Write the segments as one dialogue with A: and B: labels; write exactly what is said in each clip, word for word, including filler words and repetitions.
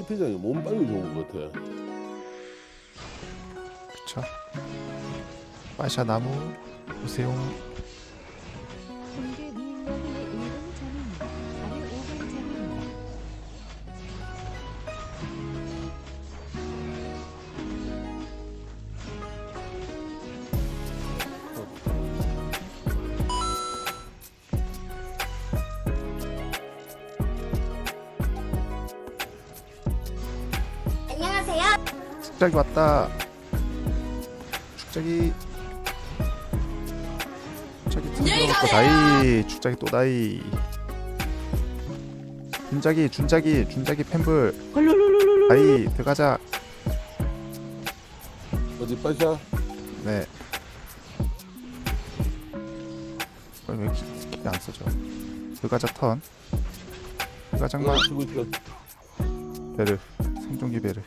A: 스피장이 몸빵이 좋은 것 같아.
B: 그쵸. 빠샤 나무 보세요.
C: 공개 미인력의 일 분 전입니다. 아니 오 분 전입니다.
D: 안녕하세요.
B: 축작이 왔다. 축작이 축작이 틀어놓고 다이. 축작이 또 다이. 준작이 준작이 준작이 팬불 다이 들어가자.
A: 어디 빠샤?
B: 네. 어, 왜 이렇게 스킬이 안 써져? 들어가자 턴. 들어가자 마.
A: 치고 있어.
B: 베르 생존기 베르.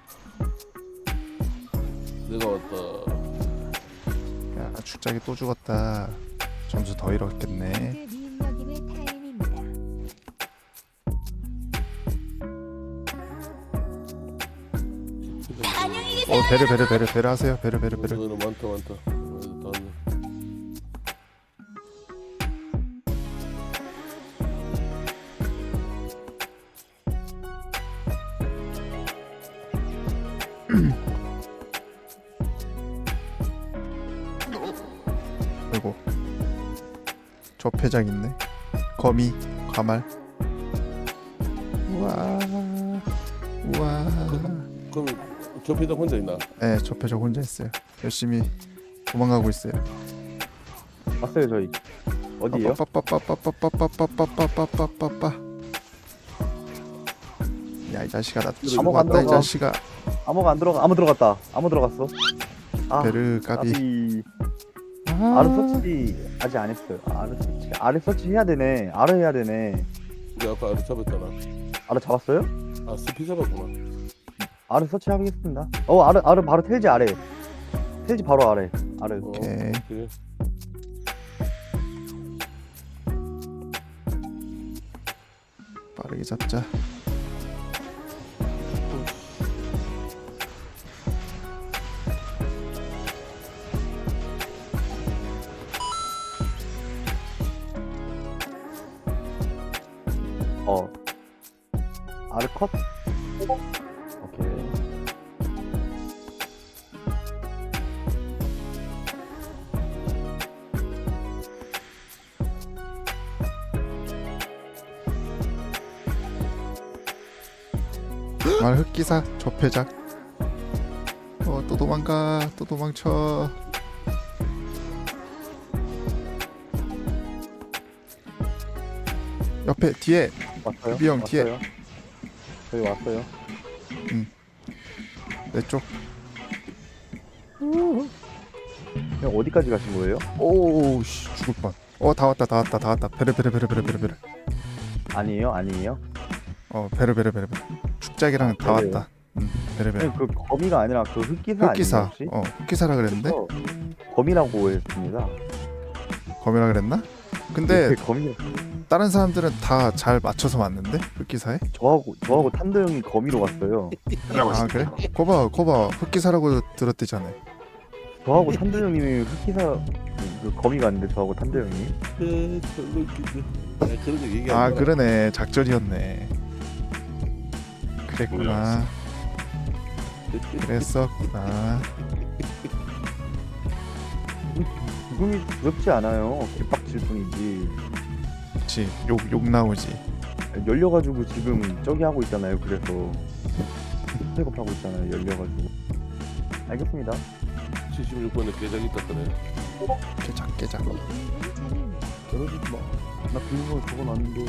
A: 내가 왔다.
B: 야 축작이 또 죽었다. 점수 더 잃었겠네.
C: 공개 미인력임의 타임입니다.
D: 안녕히 계세요.
B: 어 베르 베르 베르 베르 하세요. 베르 베르 베르.
A: 오늘은 많다 많다. 어, 다 왔네.
B: 아이고 조폐장 있네. 거미 가말. 우와 우와.
A: 그럼 접히다 혼자 있나?
B: 네 조폐장 혼자 있어요. 열심히 도망가고 있어요.
E: 왔어요 저희. 어디에요?
B: 빠빠빠빠빠빠빠빠빠빠빠빠빠빠빠. 야이 자식아 나 치고
E: 아무가 안
B: 왔다 이
E: 들어가.
B: 자식아.
E: 아무가 안 들어가. 아무 들어갔다. 아무 들어갔어. 아,
B: 베르 까비.
E: 까비.
B: 아.
E: 아르 서치 아직 안 했어요. 아르 서치. 아르 서치 해야 되네. 아르 해야 되네.
A: 우리 아까 아래 잡았잖아.
E: 아르 잡았어요?
A: 아 스피 잡았구나.
E: 아르 서치 하겠습니다. 어 아르 아르 바로 텔지 아래. 텔지 바로 아래. 아르.
A: 어,
B: 오케이.
A: 오케이.
B: 빠르게 잡자.
E: 어. 아르 컷? 오케이.
B: 말 흑기사 조폐작. 어또 도망가 또 도망쳐. 옆에 뒤에
E: 왔어요?
B: 유비 형 뒤에.
E: 왔어요? 저희 왔어요.
B: 내 쪽.
E: 형 어디까지 가신 거예요?
B: 오우씨 죽을 뻔. 어 다 왔다 다 왔다 다 왔다. 베르 베르 베르 베르 베르 베르.
E: 아니에요? 아니에요?
B: 어 베르 베르 베르 베르. 축작이랑 다
E: 베르요?
B: 왔다. 응 베르 베르.
E: 형, 그 거미가 아니라 그 흑기사
B: 흑기사.
E: 아니에요 혹시?
B: 어 흑기사라 그랬는데
E: 어, 거미라고 했습니다.
B: 검이라 그랬나? 근데
E: 그 거미
B: 다른 사람들은 다 잘 맞춰서 왔는데 흑기사에?
E: 저하고 저하고 탄도 형이 거미로 왔어요.
B: 아 그래? 거봐 거봐 흑기사라고 들었대잖아요.
E: 저하고 탄도 형님이 흑기사 그 거미가 아닌데 저하고 탄도 형이.
A: 에, 별로 웃기지. 아, 그런 거 얘기 안
B: 아
A: 해.
B: 그러네 작전이었네. 그랬구나. 그랬었구나.
E: 죽음이 두렵지 않아요. 개빡칠 뿐이지.
B: 그치 욕, 욕 나오지.
E: 열려가지고 지금 저기 하고 있잖아요. 그래서 백업하고 있잖아요. 열려가지고. 알겠습니다.
A: 칠십육 번에 계좌기 떴더네.
B: 깨작 깨작.
C: 이 분 전입니다.
E: 저러지 마. 나 비밀번호 적어놨는데.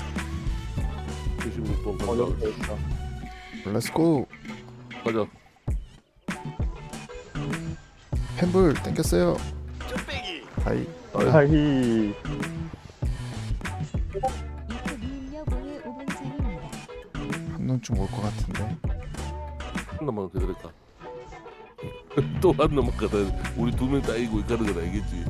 A: 칠십육 번
E: 어
A: 간다.
E: 여기다 여기다.
B: 렛츠고.
A: 가자.
B: 펜불 땡겼어요. 아이
E: 아이.
C: 이프 미인력 오의 오 분 전입니다.
B: 한 놈쯤 올 것 같은데.
A: 한 놈만 기다렸다. 또 한 놈만 가다 우리 두 명 따이고 가는 건 알겠지.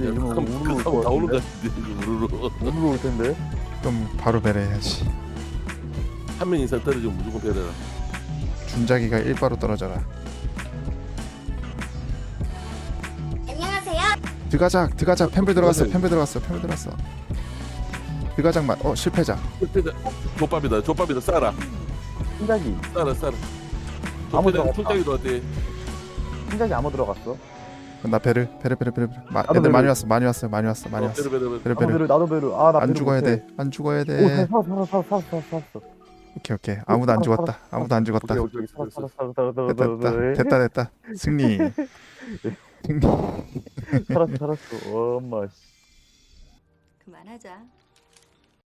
E: 근데 이러면
A: 그럼
E: 우르르 올
A: 그럼
E: 것
A: 나오는 거
E: 같은데?
A: 같은데 우르르.
E: 우르르 올 텐데.
B: 그럼 바로 배려해야지.
A: 한 명 이상 떨어지면 무조건 배려라.
B: 준자기가 일바로 떨어져라.
D: 안녕하세요.
B: 드가작 드가작 펜블 들어갔어.
A: 그거는-
B: 펜블 들어갔어. 펜블 들어갔어. 드가작만. 어 실패자.
A: 족밥이다 족밥이다 싸라
E: 신작이
A: 싸라 싸라.
E: 아무
A: 족밥이다
E: 들어갔다.
A: 족장이도 어때?
E: 신작이 아무 들어갔어.
B: 나 배를 배를 배를 배를. 마,
E: 나도
B: 애들
E: 배를.
B: 많이 왔어. 많이 왔어. 많이 왔어. 많이
A: 어,
B: 왔어.
A: 배려 배려 배려.
B: 배를
E: 나도
B: 배를.
E: 베르 나도 베르. 아나
B: 안 죽어야 돼. 안 죽어야
E: 오
B: 돼.
E: 살았어 살았어 살았어 살았어 살았어.
B: 오케이 오케이. 아무도 안
E: 살았어,
B: 죽었다. 아무도 안 죽었다.
A: 오케이, 오케이.
E: 살았어 살았어 살았어
B: 됐다
E: 살았어
B: 됐다 됐다 됐다. 승리. 승리.
E: 살았어 살았어. 엄마 씨.
D: 그만하자.